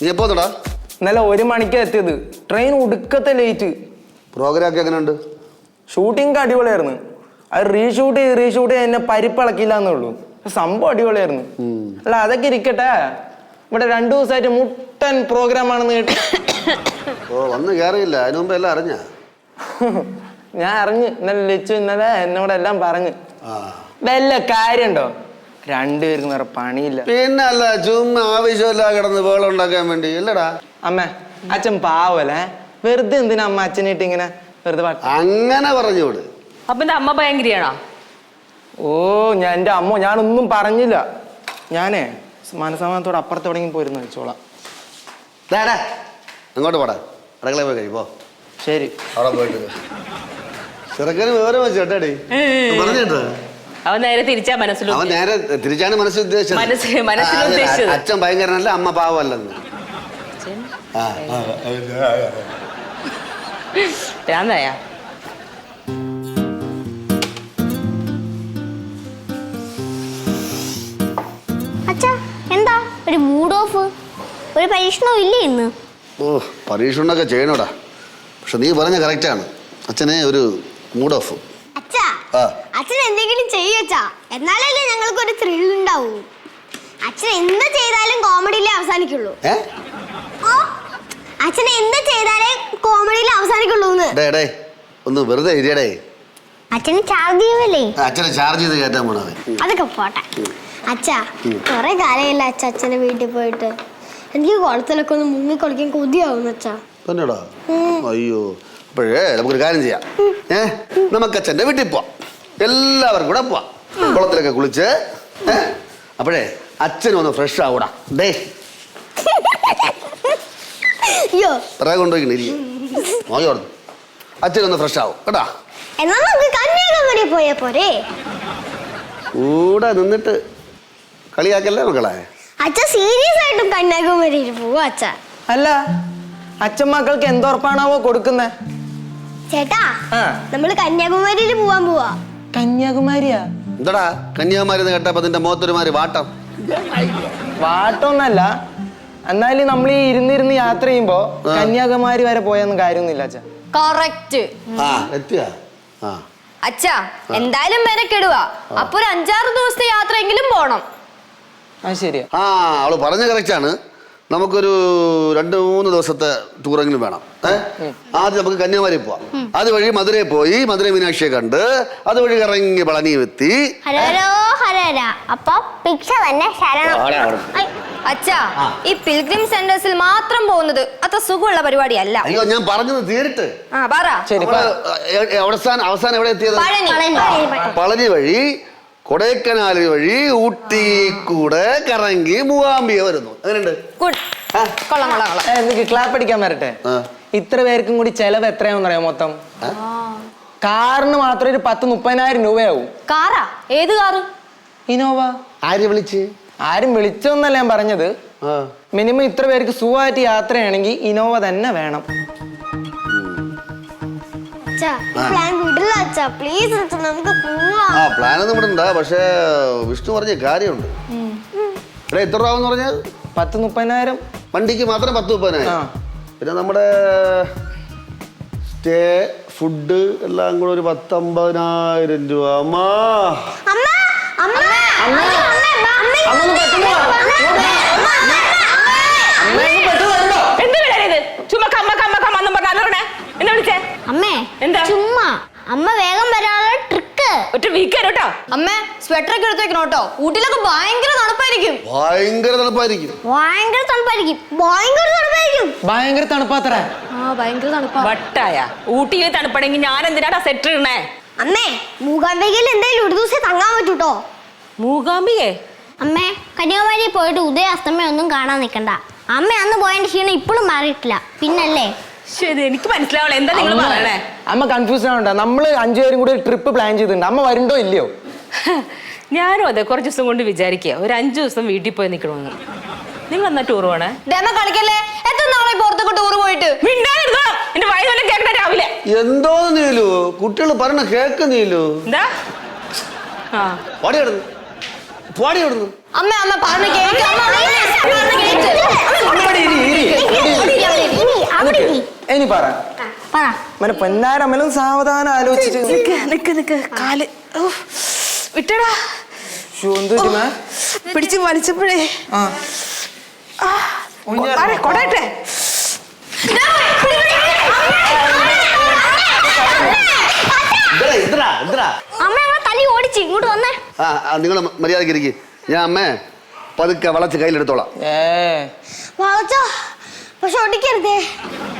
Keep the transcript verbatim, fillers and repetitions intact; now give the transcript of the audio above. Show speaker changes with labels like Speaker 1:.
Speaker 1: നീ എപ്പോ വന്നടാ?
Speaker 2: ഇന്നലെ ഒരു മണിക്ക് എത്തിയത്. ട്രെയിൻ ഒടുക്കത്തെ ലേറ്റ്.
Speaker 1: പ്രോഗ്രാം ഒക്കെ എങ്ങനെയുണ്ട്?
Speaker 2: ഷൂട്ടിംഗ് അടിപൊളിയായിരുന്നു. അത് റീഷൂട്ട് ചെയ്ത് റീഷൂട്ട് ചെയ്ത് എന്നെ പരിപ്പിളക്കില്ല എന്നുള്ളൂ. സംഭവം അടിപൊളിയായിരുന്നു. അല്ല അതൊക്കെ ഇരിക്കട്ടെ, ഇവിടെ രണ്ടു ദിവസമായിട്ട് മുട്ടൻ പ്രോഗ്രാം ആണെന്ന് കേട്ടു.
Speaker 1: ഓ വന്ന് കയറിയില്ല, അതിനു മുമ്പ് എല്ലാം അറിഞ്ഞ?
Speaker 2: ഞാൻ അറിഞ്ഞ്. ഇന്നലെ ലച്ചു ഇന്നലെ എന്നോട് എല്ലാം പറഞ്ഞ്. വല്ല കാര്യണ്ടോ? രണ്ടുപേർക്കും വേറെ പണിയില്ല.
Speaker 1: പിന്നെ അല്ല, ചുമ്മാ ആവശ്യമില്ല കിടന്ന് വേളം ഉണ്ടാക്കാൻ വേണ്ടി അല്ലടാ.
Speaker 2: അമ്മ അച്ഛൻ പാവല്ലേ, വെറുതെ എന്തിനാ അമ്മ അച്ഛനായിട്ട് ഇങ്ങനെ വെറുതെ
Speaker 1: അങ്ങനെ പറഞ്ഞോട്.
Speaker 3: അപ്പൊ എന്റെ അമ്മ ഭയങ്കരിയാണോ?
Speaker 2: ഓ ഞാൻ എന്റെ അമ്മ ഞാനൊന്നും പറഞ്ഞില്ല. ഞാനേ മനസ്സമാനത്തോടെ അപ്പുറത്തോടെങ്കിൽ പോയിരുന്നു വെച്ചോളാം.
Speaker 1: അങ്ങോട്ട് പോടാ, അടുക്കള പോയി കഴിപ്പോ.
Speaker 2: ശരി,
Speaker 1: അവിടെ പോയിട്ട് ചെറുക്കന് വിവരം വെച്ചു കേട്ടാടി. പറഞ്ഞിട്ടോ
Speaker 3: അവൻ നേരെ തിരിച്ചാ മനസ്സിൽ
Speaker 1: അവൻ നേരെ തിരിച്ചാണ് മനസ്സിൽ ഉദ്ദേശിച്ചത്. അച്ഛൻ ഭയങ്കരനല്ല, അമ്മ പാവല്ലെന്ന്.
Speaker 3: ഭ്രാന്തായാ?
Speaker 4: അച്ഛാ എന്താ ഒരു മൂഡ് ഓഫ്? ഒരു പരീക്ഷണവും ഇല്ലേ ഇന്ന്?
Speaker 1: ഓ പരീക്ഷണമൊക്കെ ചെയ്യണോടാ, പക്ഷെ നീ പറഞ്ഞ കറക്റ്റാണ്. അച്ഛനെ ഒരു മൂഡ് ഓഫ്.
Speaker 4: അച്ഛാ അച്ഛൻ എന്തെങ്കിലും ചെയ്യച്ചാ, എന്നാലല്ലേ ഞങ്ങൾക്ക് ഒരു ത്രിൽ ഉണ്ടാവൂ. അച്ഛൻ എന്ത് ചെയ്താലും കോമഡിയിലേ അവസാനിക്കുള്ളൂ. അച്ഛൻ എന്ത് ചെയ്താലേ കോമഡിയിലേ അവസാനിക്കുള്ളൂ.
Speaker 1: ഒന്ന് വെറുതെ ഇരിയടേ.
Speaker 4: അച്ഛന് ചാർജ് ചെയ്യുമല്ലേ?
Speaker 1: അച്ഛനെ ചാർജ് ചെയ്ത് കയറ്റാൻ പോണത്.
Speaker 4: അതൊക്കെ പോട്ടെ അച്ഛാ. കൊറേ കാലമില്ല അച്ഛ അച്ഛനെ വീട്ടിൽ പോയിട്ട്. എനിക്ക് കുളത്തിലൊക്കെ ഒന്ന് മുങ്ങി കളിക്കാൻ കൊതിയാവുന്നു അച്ഛാ.
Speaker 1: തന്നെടാ? അയ്യോ, അപ്പോഴേ നമുക്കൊരു കാര്യം ചെയ്യാം. ഏ നമുക്ക് അച്ഛൻ്റെ വീട്ടിൽ പോവാം, എല്ലാവർക്കും കൂടെ പോവാം. കുളത്തിലൊക്കെ കുളിച്ച് അപ്പോഴേ അച്ഛനൊന്ന് ഫ്രഷ് ആവൂടാ. ഡേ പറയാ കൊണ്ടുപോയി നോക്കിയോടുന്നു, അച്ഛനൊന്ന് ഫ്രഷ് ആവും കേട്ടാ.
Speaker 4: എന്നാ നമുക്ക് കന്യാകുമാരി പോയാ പോരെ?
Speaker 1: കൂടെ നിന്നിട്ട് കളിയാക്കല്ലേ മക്കളെ.
Speaker 4: അച്ഛൻ സീരിയസ് ആയിട്ടും കന്യാകുമാരിയിൽ പോവാ അച്ഛാ.
Speaker 2: അല്ല അച്ഛൻ മക്കൾക്ക് എന്തുറപ്പാണാവോ കൊടുക്കുന്നേ?
Speaker 4: ചേട്ടാ നമ്മള് കന്യാകുമാരിയിൽ പോവാൻ പോവാ.
Speaker 2: കന്യാകുമാരിയാ?
Speaker 1: എന്താടാ കന്യാകുമാരി എന്ന് കേട്ടപ്പോ നിന്റെ മുഖത്തൊരുമാതിരി വാട്ടം?
Speaker 2: വാട്ടൊന്നല്ല, എന്നാലും നമ്മൾ ഈ ഇരുന്നിരുന്ന് യാത്ര ചെയ്യുമ്പോ കന്യാകുമാരി വരെ പോയൊന്നും കാര്യമൊന്നുമില്ല അച്ഛാ.
Speaker 3: കറക്റ്റ്. അച്ഛാ എന്തായാലും മെനക്കെടുവാ, അപ്പൊ ഒരു അഞ്ചാറ് ദിവസത്തെ യാത്രയെങ്കിലും പോണം.
Speaker 2: ആ ശരിയാ.
Speaker 1: ആ അവള് പറഞ്ഞ കറക്റ്റാണ്. നമുക്കൊരു രണ്ട് മൂന്ന് ദിവസത്തെ ടൂറെങ്കിലും വേണം. ഏഹ് ആദ്യം നമുക്ക് കന്യാകുമാരി പോവാം, അതുവഴി മധുരയിൽ പോയി മധുര മീനാക്ഷിയെ കണ്ട് അതുവഴി ഇറങ്ങി പളനി എത്തി.
Speaker 3: അച്ഛാ ഈ പിൽഗ്രിം സെന്റേഴ്സിൽ മാത്രം പോകുന്നത് അത്ര സുഖമുള്ള പരിപാടിയല്ല.
Speaker 1: അയ്യോ ഞാൻ പറഞ്ഞത് തീരിട്ട്.
Speaker 3: ആ പറ.
Speaker 1: അവസാനം അവസാനം എവിടെ എത്തിയത്? പളനി വഴി കൊടൈക്കനാൽ വഴി ഊട്ടി കൂടെ കറങ്ങി മൂകാംബിക വരുന്നു. അങ്ങനെയുണ്ട്.
Speaker 2: എനിക്ക് ക്ലാപ്പ് അടിക്കാൻ വരട്ടെ. ഇത്ര പേർക്കും കൂടി ചെലവ് എത്രയാണെന്ന് അറിയാം മൊത്തം? കാറിന് മാത്രം ഒരു പത്ത് മുപ്പതിനായിരം രൂപയാവും.
Speaker 3: കാറാ? ഏത് കാറ്?
Speaker 2: ഇനോവ.
Speaker 1: ആര് വിളിച്ച്?
Speaker 2: ആരും വിളിച്ചോന്നല്ല ഞാൻ പറഞ്ഞത്. മിനിമം ഇത്ര പേർക്ക് സുഖമായിട്ട് യാത്രയാണെങ്കിൽ ഇനോവ തന്നെ വേണം.
Speaker 1: ആ പ്ലാൻ ഒന്നും ഇവിടെ ഉണ്ടാ, പക്ഷേ വിഷ്ണു പറഞ്ഞ കാര്യമുണ്ട്. ഇവിടെ എത്ര രൂപ പറഞ്ഞാൽ?
Speaker 2: പത്ത് മുപ്പതിനായിരം
Speaker 1: വണ്ടിക്ക് മാത്രം പത്ത് മുപ്പതിനായിരം. പിന്നെ നമ്മുടെ സ്റ്റേ ഫുഡ് എല്ലാം കൂടെ ഒരു പത്തമ്പതിനായിരം രൂപ. അമ്മാ
Speaker 4: അമ്മേ എന്താ ചുമ്മാ അമ്മ വേഗം വരാനുള്ള ട്രിക്ക്
Speaker 3: ഒറ്റ വീക്കാണ് കേട്ടോ. അമ്മേ സ്വെറ്റർ ഒക്കെ എടുത്ത് വെക്കണം കേട്ടോ. ഊട്ടിലൊക്കെ ഭയങ്കര തണുപ്പായിരിക്കും.
Speaker 1: ഭയങ്കര തണുപ്പായിരിക്കും.
Speaker 4: ഭയങ്കര തണുപ്പായിരിക്കും. ഭയങ്കര തണുപ്പായിരിക്കും.
Speaker 2: ഭയങ്കര തണുപ്പാത്ര.
Speaker 3: ആ ഭയങ്കര തണുപ്പാ. വട്ടായ ഊട്ടിയിൽ തണുപ്പാണെങ്കിൽ ഞാൻ എന്തിനാടാ സ്വെറ്റർ ഇടണേ?
Speaker 4: അമ്മേ മൂകാംബികയിൽ എന്തായാലും ഒരു ദിവസം തങ്ങാൻ പറ്റൂട്ടോ.
Speaker 3: മൂകാംബികേ?
Speaker 4: അമ്മേ കന്യാകുമാരി പോയിട്ട് ഉദയ അസ്തമയം ഒന്നും കാണാൻ നിൽക്കണ്ട. അമ്മ അന്ന് പോയതിന്റെ ക്ഷീണം ഇപ്പോഴും മാറിയിട്ടില്ല. പിന്നല്ലേ?
Speaker 3: ശരി എനിക്ക് മനസ്സിലാവണം എന്താ നിങ്ങൾ പറയണേ.
Speaker 2: അമ്മ കൺഫ്യൂഷൻ ആവണ്ട. നമ്മള് അഞ്ചുപേരും കൂടി ട്രിപ്പ് പ്ലാൻ ചെയ്തിട്ടുണ്ട്. അമ്മ വരുണ്ടോ ഇല്ലയോ?
Speaker 3: ഞാനും അതെ കുറച്ച് ദിവസം കൊണ്ട് വിചാരിക്കുക ഒരു അഞ്ചു ദിവസം വീട്ടിൽ പോയി നിൽക്കണമെന്ന്. നിങ്ങൾ എന്നാ ടൂർ പോണേ? കളിക്കല്ലേ? എത്ര നാളെ പുറത്തൊക്കെ ടൂർ പോയിട്ട്? എന്റെ വയസ്സെല്ലാം കേൾക്കണ രാവിലെ.
Speaker 1: എന്തോ നീലു കുട്ടികൾ പറഞ്ഞ കേക്ക് നീലു.
Speaker 3: എന്താ? ആ
Speaker 1: പോടി അവിടുന്ന്.
Speaker 3: അമ്മ അമ്മ പറഞ്ഞ കേക്ക് അമ്മ പറഞ്ഞ കേക്ക്
Speaker 2: അവിടെ ഇരി, ഇരി. നിക്ക്. ഇനി പറ
Speaker 4: പറ
Speaker 2: മനെ പൊന്നാരമ്മലും സാവധാനം ആലോചിച്ചിട്ട്
Speaker 3: നിക്ക് നിക്ക് നിക്ക് കാല് ഉഫ്. വിട്ടടാ
Speaker 2: ശ്ശോ, എന്ത് പറ്റി മേ?
Speaker 3: പിടിച്ച് വലിച്ചപ്പോഴേ
Speaker 2: ആ.
Speaker 3: കൊടട്ടെ
Speaker 1: ഇതെടാ, ഇതെടാ, ഇതെടാ.
Speaker 4: അമ്മ ഞങ്ങളെ തല്ലി ഓടിച്ച് ഇങ്ങോട്ട് വന്നേ.
Speaker 1: ആ നിങ്ങൾ മര്യാദക്ക് ഇരിക്കും. ഞാൻ അമ്മേ പതുക്കെ വളച്ച് കയ്യിലെടുത്തോളാം.
Speaker 2: ഏ
Speaker 4: വളച്ചോ പക്ഷെ ഒടിക്കരുതേ.